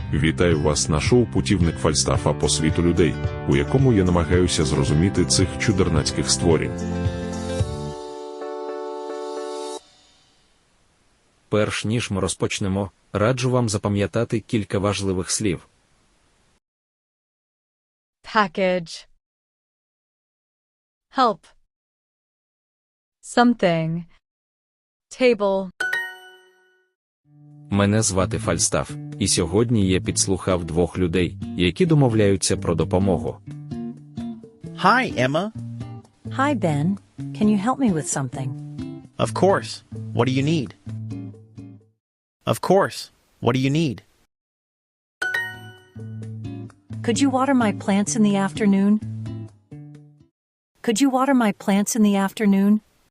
Вітаю вас на шоу «Путівник Фальстафа по світу людей», у якому я намагаюся зрозуміти цих чудернацьких створінь. Перш ніж ми розпочнемо, раджу вам запам'ятати кілька важливих слів. Package. Help. Something. Table. Мене звати Фальстаф, і сьогодні я підслухав двох людей, які домовляються про допомогу. Hi, Emma. Hi, Ben. Can you help me with something? Of course. What do you need? Of course. What do you need? Could you water my plants in the afternoon? Could you water my plants in the afternoon?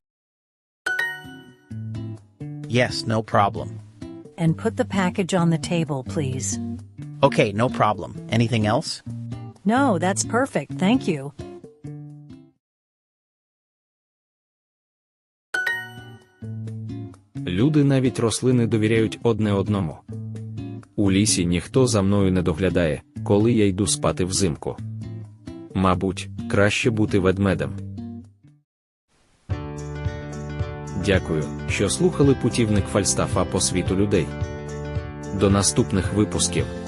Yes, no problem. And put the package on the table, please. Okay, no problem. Anything else? No, that's perfect, thank you. Люди, навіть рослини, довіряють одне одному. У лісі ніхто за мною не доглядає, коли я йду спати взимку. Мабуть, краще бути ведмедем. Дякую, що слухали «Путівник Фальстафа по світу людей». До наступних випусків.